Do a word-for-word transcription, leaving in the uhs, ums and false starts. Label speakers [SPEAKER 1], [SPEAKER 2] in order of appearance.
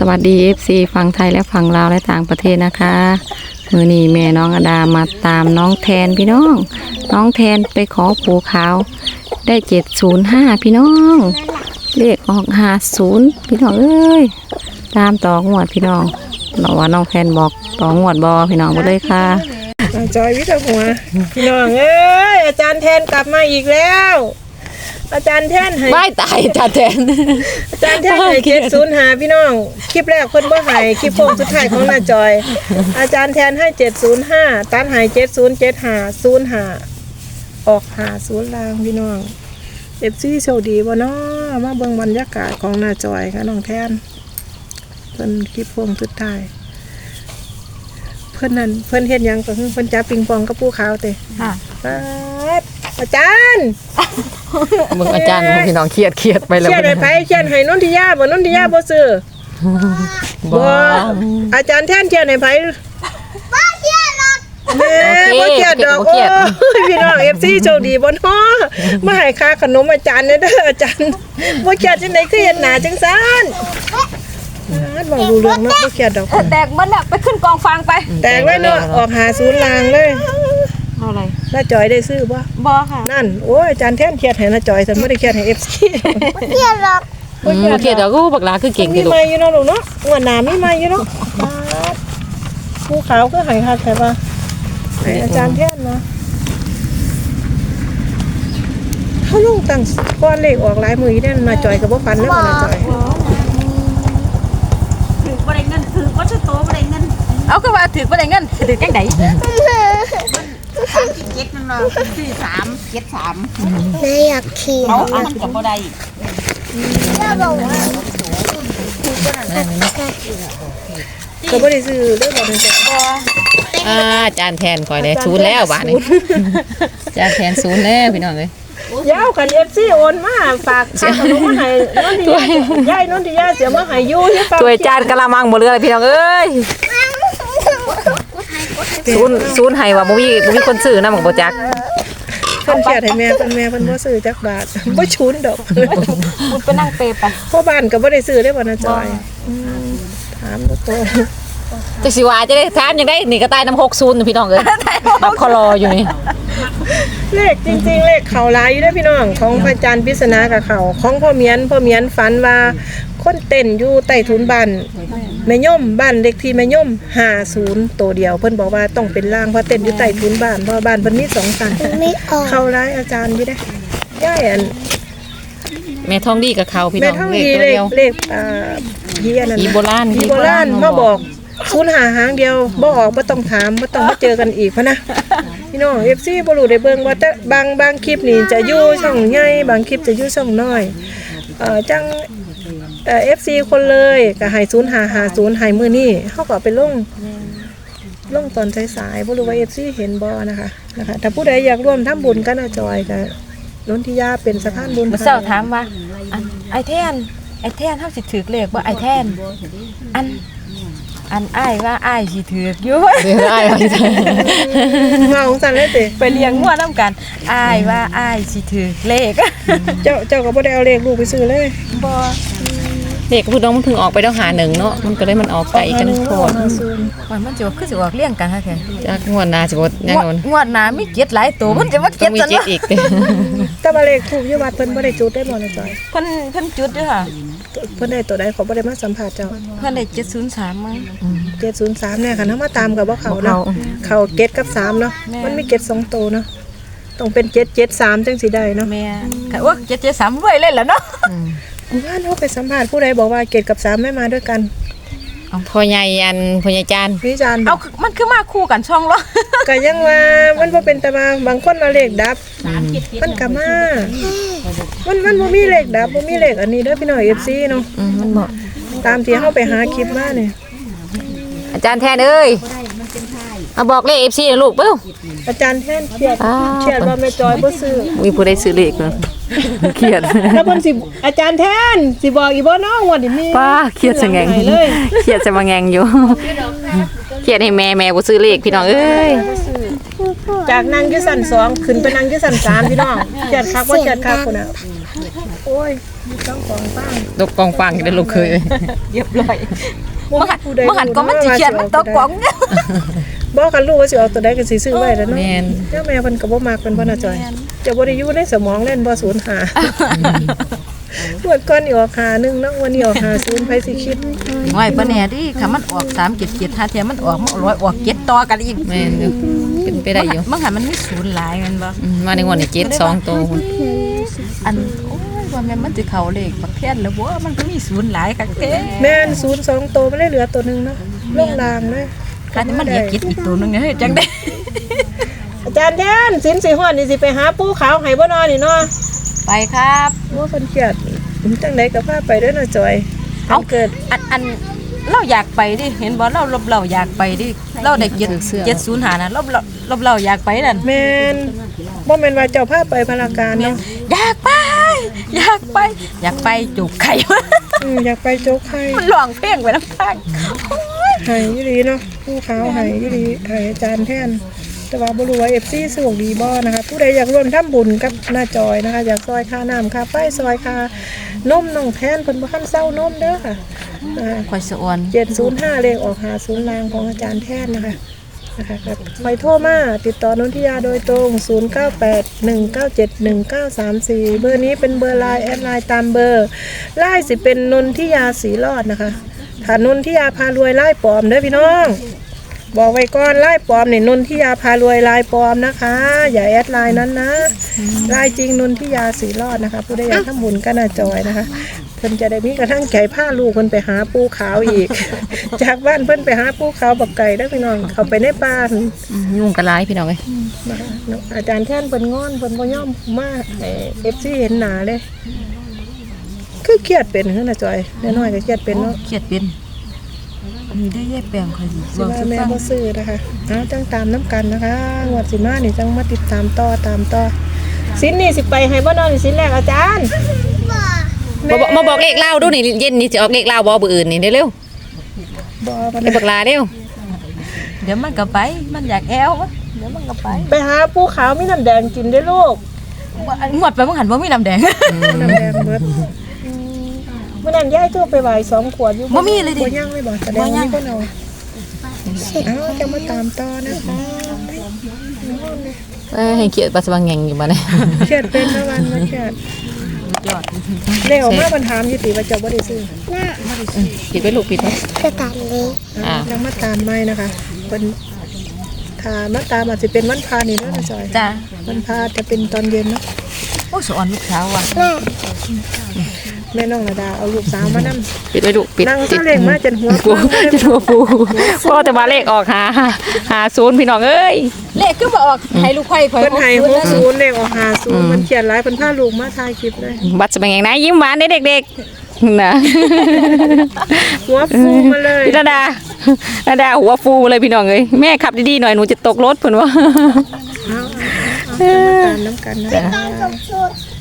[SPEAKER 1] วัสดี เอฟ ซี ฝั่งไทยและฝั่งลาวและต่างประเทศนะคะมือนี้แม่น้องอดามาตามน้องแทนพี่น้องน้องแทนไปขอปูขาวได้เจ็ดศูนย์ห้าพี่น้องเลขออกห้าศูนย์พี่น้องเอ้ยตามต่องวดพี่น้องเราว่าน้องแทนบอกต่องวดบอพี่น้องไปเลยค่ะ
[SPEAKER 2] จอยวิทย์หัวพี่น้องเอ้ยอาจารย์แทนกลับมาอีกแล้วอาจารย์แทนให้
[SPEAKER 1] ไม่ตายอาจารย์แทน
[SPEAKER 2] อาจารย์แทนให้เจ็ดศูนย์หาพี่น้องคลิปแรกคนบ่ให้คลิปโค้งสุดท้ายของน้าจอยอาจารย์แทนให้เจ็ดศูนย์ห้าตัดให้เจ็ดศูนย์เจ็ดห้าศูนย์ห้าออกหาศูนย์ลางพี่น้องเอฟซีโชคดีบ่เนาะมาเบิ่งบรรยากาศของน้าจอยค่ะน้องแทนเพิ่นคลิปโค้งสุดท้ายเพิ่นนั่นเพิ่นเฮ็ดหยังก็คือเพิ่นจับปิงปองกับปูขาวเตะ
[SPEAKER 1] ค่ะ
[SPEAKER 2] อาจารย์
[SPEAKER 1] มึงอาจารย์พี่น้องเครียดเครียดไปแล้ว
[SPEAKER 2] เครียดให้ไผเครียดให้นนทิยาบ่นนทิยาบ่ซื้อบ่อาจารย์แทนเครียดให้ไผบ่เครียดหรอกแม่บ่เครียดดอกโอ้ยพี่น้อง เอฟ ซี โชคดีบ่เนาะมาให้ค่าขนมอาจารย์เด้ออาจารย์บ่เครียดจังได๋คือเฮ็ดหน้าจังซั่นอาบ่รู้เรื่องเนาะบ่เครียดดอก
[SPEAKER 3] แตกมันน่ะไปขึ้นกองฟางไป
[SPEAKER 2] แตกเลยเนาะออกหาศูนย์ลางเลย
[SPEAKER 1] เอาอะไร
[SPEAKER 2] น้าจอยได้ซื้อบ่
[SPEAKER 3] บ่ค่ะ
[SPEAKER 2] นั่นโอ้ยอาจารย์แทนเครียดให้น้าจอยซั่นบ่ได้เครียดให้ เอฟ ซี
[SPEAKER 3] บ่เครียดหรอก
[SPEAKER 1] บ่เครียดดอกกูบักหลาคือเก่ง
[SPEAKER 2] มีมาอยู่เนาะลูกเนาะงวดหน้ามีมาอยู่เนาะภูเขาก็ให้คักแต่ว่าให้อาจารย์แทนเนาะเฮาลงตั้งก้อนเลขออกหลายมื้ออีแน่มาจอยก็บ่ฟันเด้อว่าน้าจอย
[SPEAKER 3] ถือบ่ได้เงินถือบ่ชั่วโตบ่ได้เงินเอาคือว่าถือบ่ได้เงินถือจังได๋สามสิบเจ็ดนั่นเนาะสี่สามเจ็ดสาม
[SPEAKER 4] แม่อยากขี่
[SPEAKER 3] เอามันก็บ่ได้
[SPEAKER 4] แม่บอกว่า
[SPEAKER 2] ก็บ่ได้ซื้อเด้อบ่ได้ซื้อ
[SPEAKER 1] อ่าอาจารย์แทนคอยได้ศูนย์แล้วบ้านนี้อาจารย์แทนศูนย์แล้วพี่น้องเอ้ย
[SPEAKER 2] ยาวกัน เอฟ ซี โอนมาฝากค่าขนมมาให้นนทิยายายนนทิยาเสียมาให้อยู่ที่ฝาก
[SPEAKER 1] ถ้วยจานกะละมังบ่เหลือพี่น้องเอ้ยศูนย์ศูนย์ให้ว่าบ่มีบ่มีคนซื้อนำบ่จัก
[SPEAKER 2] เพิ่นเครียดให้แม่เพิ่นแม่เพิ่นบ่ซื้อจักบาทบ่ชุนดอก
[SPEAKER 3] มันไปนั่งเปไป
[SPEAKER 2] พ่อบ้านก็บ่ได้ซื้อได้บ่นะจอยถามตัวโต
[SPEAKER 1] จักสิว่าจะได้ถามจังได๋นี่ก็ตายนำหกศูนย์พี่น้องเอ้ยบักคอรออยู่นี่
[SPEAKER 2] เลขจริงๆเลขเขาหลายอยู่เด้อพี่น้องของพระอาจารย์ปริศนากับเขาของพ่อเมียนพ่อเมียนฝันว่าคนเต้นอยู่ใต้ถุนบ้านแม่ย่อมบ้านเลขที่แม่ย่อมห้าศูนย์ตัวเดียวเพิ่นบอกว่าต้องเป็นล่างเพราะเต้นอยู่ใต้ถุนบ้านเพราะบ้านเพิ่นมีสองชั้นเขาหลายอาจารย์อยู่เด้อย่ายอัน
[SPEAKER 1] แม่ทองดีกับเขาพี่น้องเลขตัวเดียว
[SPEAKER 2] เลขอ่าเฮียนั่น
[SPEAKER 1] อีโบราณ
[SPEAKER 2] อีโบราณมาบอกศูนย์หาหางเดียวบ่ออกบ่ต้องถามบ่ต้องมาเจอกันอีกพะนะพี่น้อง เอฟ ซี บ่รู้ได้เบิ่งว่าแต่บางบางคลิปนี่จะอยู่ช่องใหญ่บางคลิปจะอยู่ช่องน้อยเอ่อจังเอ่อ เอฟ ซี คนเลยก็ให้ศูนย์ห้าห้าศูนย์ให้มื้อนี้เฮาก็ไปลงลงตอนสายๆบ่รู้ว่า เอฟ ซี เห็นบ่นะคะนะคะถ้าผู้ใดอยากร่วมทำบุญกับน้าจอยก็นนทิยาเป็นสะพานบุญ
[SPEAKER 3] เจ้าถามว่าไอ้แทนไอ้แทนเฮาสิถือเลขบ่ไอ้แทนอันอันอ้ายว่าอ้ายสิถือกอยู่
[SPEAKER 1] เดี๋ยวอ้ายว่าสิ
[SPEAKER 2] เมาของซั่นเลยติ
[SPEAKER 3] ไปเลี้ยงงัวนำกันอ้ายว่าอ้ายสิถือกเลข
[SPEAKER 2] เจ้าเจ้าก็บ่ได้เอาเลขลูกไปซื้อเลย
[SPEAKER 3] บ่
[SPEAKER 1] เลขคือน้องมันเพิ่งออกไปแล้วหาหนึ่งเนาะมันก็เลยมันออกไกลกันโพด
[SPEAKER 3] มันมันจะคือสิออกเลี้ยงกันค่ะแท้
[SPEAKER 1] จากงวดหน้าสิบ่แน่นอน
[SPEAKER 3] งวดหน้ามีเจ็ดหลายตัวมันจะมาเจ็ด
[SPEAKER 1] ซั่นมีเจ็ดอีกเด้
[SPEAKER 2] แต่ว่าเลขถูกอยู่วัดเพิ่นบ่ได้จุดได้บ่นะจอย
[SPEAKER 3] เพิ่นเพิ่นจุดด้วยค่ะ
[SPEAKER 2] เพิ่นได้ตัวใดเขาบ่ได้มาสัมภาษณ์เจ้า
[SPEAKER 3] เพิ่นได้เจ็ดศูนย์สามมั้ง
[SPEAKER 2] เจ็ดศูนย์สามเนี่ยค่ะนำมาตามกับบ่เขาเนาะเขาเจ็ดกับสามเนาะมันมีเจ็ดสองตัวเนาะต้องเป็นเจ็ด เจ็ด สามจังสิได้เนาะ
[SPEAKER 3] แม่ค่ะว่าเจ็ด เจ็ด สามรวยเลยล่ะเนาะ
[SPEAKER 2] ว่าเนาะไปสัมภาษณ์ผู้ใดบอกว่าเจ็ดกับสามไม่มาด้วยกัน
[SPEAKER 1] พ่อใหญ่อันพ่อใหญ่จาน
[SPEAKER 2] พี่จาน
[SPEAKER 3] เอามันคือมาคู่กันช่องเหรอ
[SPEAKER 2] ก็ยังว่ามันบ่เป็นแต่มาบางคนมาเลขดับมันก็มามันมันบ่มีเลขดับบ่มีเลขอันนี้เด้อพี่น้อง เอฟ ซี เนาะ
[SPEAKER 1] อืมมันบ่
[SPEAKER 2] ตามที่เฮาไปหาคลิปมานี่
[SPEAKER 1] อาจารย์แทนเอ้ยเอาบอกเลข เอฟ ซี นะลูกเปิ้ว
[SPEAKER 2] อาจารย์แทนเครียดเครียดว่าแม่จอยบ่ซื้อ
[SPEAKER 1] มีผู้ใดซื้อเลขเนาะเครียด
[SPEAKER 2] แล้วเพิ่นสิอาจารย์แทนสิบอกอีบ่เนาะงวดนี้มี
[SPEAKER 1] ป้าเครียดซะแงงเครียดซะมาแงงอยู่เครียดให้แม่แม่บ่ซื้อเลขพี่น้องเอ้ย
[SPEAKER 2] จากนั่งอยู่ชั้นสองขึ้นไปนั่งอยู่ชั้นสามพี่น้องเครียดคักบ่เครียดคักพุ่นน่ะโอ้ยต้องกองฟัง
[SPEAKER 1] ตกกองฟังได้ลูกเคย
[SPEAKER 3] เรียบร้อย
[SPEAKER 2] บ่
[SPEAKER 3] บ่หัน
[SPEAKER 2] ผู้ใด
[SPEAKER 3] บ่หันก็มันสิเขียนมันตกกล่อง
[SPEAKER 2] บ่คันรู้ว่าสิเอาตัวใดก็สิซื้อไว้แล้วเนาะ
[SPEAKER 1] แม่น
[SPEAKER 2] เจ้าแม่เพิ่นก็บ่มักเพิ่นบ่น่าจอยจะบ่ได้อยู่ในสมองเล่นบ่ศูนย์หาปวดก่อนนี่ออกหาหนึงเนาะวันนี้ออกหาศูนย์ไผสิคิด
[SPEAKER 3] น้อยบ่แน่ดิค่ะมันออกสามเจ็ดเจ็ดห้าเทียมันออกมันร้อยออกเจ็ดต่อกันอีก
[SPEAKER 1] แม่นอยู่เป็นไปได้อยู่
[SPEAKER 3] มันหันมันมีศูนย์หลายแมันบ่
[SPEAKER 1] อืมมาในงวดนี้เจ็ดสองตัวพุ่น
[SPEAKER 3] อันโอ้ยว่าแม่นมันสิเข้าเลขบักแท่นแล้วบ่มันก็มีศูนย์หลายคักแท้
[SPEAKER 2] แม่นศูนย์สองตัวมันเลยเหลือตัวหนึงเนาะลงลางเลย
[SPEAKER 3] คันมันเหลือเจ็ดอีกตัวนึงเนี่ยเฮ้ยจังได๋
[SPEAKER 2] อาจารย์แทนสินสิฮอดนี่สิไปหาปูขาวให้บ่นอนี่เนาะ
[SPEAKER 3] ไปครับ
[SPEAKER 2] ว่าเพิ่นเครียดผมจังไดก็พาไปเด้อน่ะจอย
[SPEAKER 3] เอ้า
[SPEAKER 2] วันเกิด
[SPEAKER 3] อันอันเราอยากไปดิเห็นบ่เราเราเราอยากไปดิเราได้เจ็ดเจ็ดศูนย์หานะเราเราเราเราอยากไปนั่น
[SPEAKER 2] แม่นบ่แม่นว่าเจ้าพาไปพลาการเนาะ
[SPEAKER 3] อยากไป อยากไป อยากไปจุกไข่
[SPEAKER 2] อืออยากไปโจ๊กไข่
[SPEAKER 3] มันร้องเพลงไปน้ำทาง
[SPEAKER 2] ให้อยู่ดีเนาะปูขาวให้อยู่ดีให้อาจารย์แทนแต่ว่าบ่รู้ว่า เอฟ ซี สะดวกดีบ่นะคะผู้ใดอยากร่วมทำบุญกับหน้าจอยนะคะอยากซอยค่าน้ำค่าไฟซอยค่านมน้องแทนเพิ่นบ่ทันเซานมเด้อค่ะอ่า
[SPEAKER 3] คอยสะออน
[SPEAKER 2] เจ็ดศูนย์ห้าเลขออกหาศูนย์ลางของอาจารย์แทนนะคะนะคะครับคอยโทรมาติดต่อนนทิยาโดยตรง ศูนย์ เก้า แปด หนึ่ง เก้า เจ็ด หนึ่ง เก้า สาม สี่ เบอร์นี้เป็นเบอร์ไลน์แอดไลน์ตามเบอร์ไลน์สิเป็นนนทิยาสีรอดนะคะถ้านนทิยาพารวยไล่ปลอมเด้อพี่น้องบอกไว้ก่อนไล่ปลอมนี่นนทิยาพารวยไล่ปลอมนะคะ อย่าแอดไลน์นั้นนะไลน์จริงนนทิยาสีรอดนะคะผู้ใดอยากทำบุญก็น่าจอยนะคะเพิ่นจะได้มีกระทั่งไก่ผ้าลูกเพิ่นไปหาปูขาวอีก จากบ้านเพิ่นไปหาปูขาวบักไก่ได้อพี่น้องเขาไปในป่า
[SPEAKER 1] อืมยุ่งกันหลายพี่น้องเอ้ย
[SPEAKER 2] นะคะอาจารย์แท่นเพิ่นงอนเพิ่นบ่ยอมมาเอฟซีเห็นหน้าเลยคือเครียดเป็นคือน่ะจอยน้อยๆก็เครียดเป็นเนาะ
[SPEAKER 3] เครียดเป็นนี่ได้แยกแปลงคอย
[SPEAKER 2] สิ
[SPEAKER 3] บอก
[SPEAKER 2] ว่า
[SPEAKER 3] สุ
[SPEAKER 2] แม่
[SPEAKER 3] ฟัง
[SPEAKER 2] บ่ซื้อนะคะเอาจังตามน้ำกันนะคะงวดสิมานี่จังมาติดตามต่อตามต่อสินนี่สิไปให้บ่นอนนี่สินแรกอาจารย์
[SPEAKER 1] มาบอกมาบอกเลขเล่าดูนี่เย็นนี่จะออกเลขเล่าบ่เบอร์อื่นนี่เร็ว
[SPEAKER 2] บ่บ่
[SPEAKER 1] ๆไปบักลาเร็ว
[SPEAKER 3] เดี๋ยวมันก็ไป มันอยากแอววะเดี๋ยวมันก็ไป
[SPEAKER 2] ไปหาปูขาวมีน้ำแดงกินได้อลูก
[SPEAKER 3] งวดไปมันหันว่ามีน้ำแดง
[SPEAKER 2] น้ำแดงเบิดเมื่อนั้นยายโทรไปไหว้สองขวดอยู่
[SPEAKER 3] บ่มีเลยดิ
[SPEAKER 2] บ่ย่างเลยบ่แสดงว่ามีคนเอาเอาจะมาตามต่อนะคะ
[SPEAKER 1] เอ้ยให้เกียรติปัสสาวะแงงอยู่มาเนี่ย
[SPEAKER 2] เครียดเป็นนะวันนะเครียด
[SPEAKER 3] ยอด
[SPEAKER 2] เร็วมากปัญหามอยุติว่าเจ้าบ่ได้ซื้อ
[SPEAKER 1] ปิดไว้ลูกปิดไว้
[SPEAKER 4] กระตันเล็ก
[SPEAKER 1] อ่า
[SPEAKER 2] แล้วมาตามไม่นะคะเป็นถ้ามาตามอาจจะเป็นวันพานี่แล้วนะจอย
[SPEAKER 3] จ้า
[SPEAKER 2] วันพาจะเป็นตอนเย็นเนาะ
[SPEAKER 3] โอ้สะออนลูกสาวว่ะ
[SPEAKER 4] แม่
[SPEAKER 2] แม่น้องระดาเอาลูกสาวมานั่ง
[SPEAKER 1] ปิดไว้ลูกปิด
[SPEAKER 2] นั่ง
[SPEAKER 1] ปิ
[SPEAKER 2] ซา
[SPEAKER 1] ด
[SPEAKER 2] เล้งมาจนหัว
[SPEAKER 1] ปู
[SPEAKER 2] ฟังเลย
[SPEAKER 1] จะหัวปูพ่อแต่มาเลขออกหาหาศูนย์พี่น้องเอ้ย
[SPEAKER 3] เลขคือบ่ออกให้ลูกไข่ข่อย
[SPEAKER 2] เพิ่นให้หกศูนย์เลขออกหาศูนย์มันเขียนหลายเพิ่นพาลูกมาถ่ายคลิปเลย
[SPEAKER 1] บัตรสมัยแงงนะยิ้มหวานเด้อเด็กๆนะ
[SPEAKER 2] หัวฟูมาเลย
[SPEAKER 1] พี่ระดาระดาหัวฟูเลยพี่น้องเอ้ยแม่ขับดีๆหน่อยหนูจะตกรถเพิ่นว่า
[SPEAKER 2] เอาเอาเอาเอาจะมาตามน้ำกันนะคะ
[SPEAKER 4] ต้องกับชุด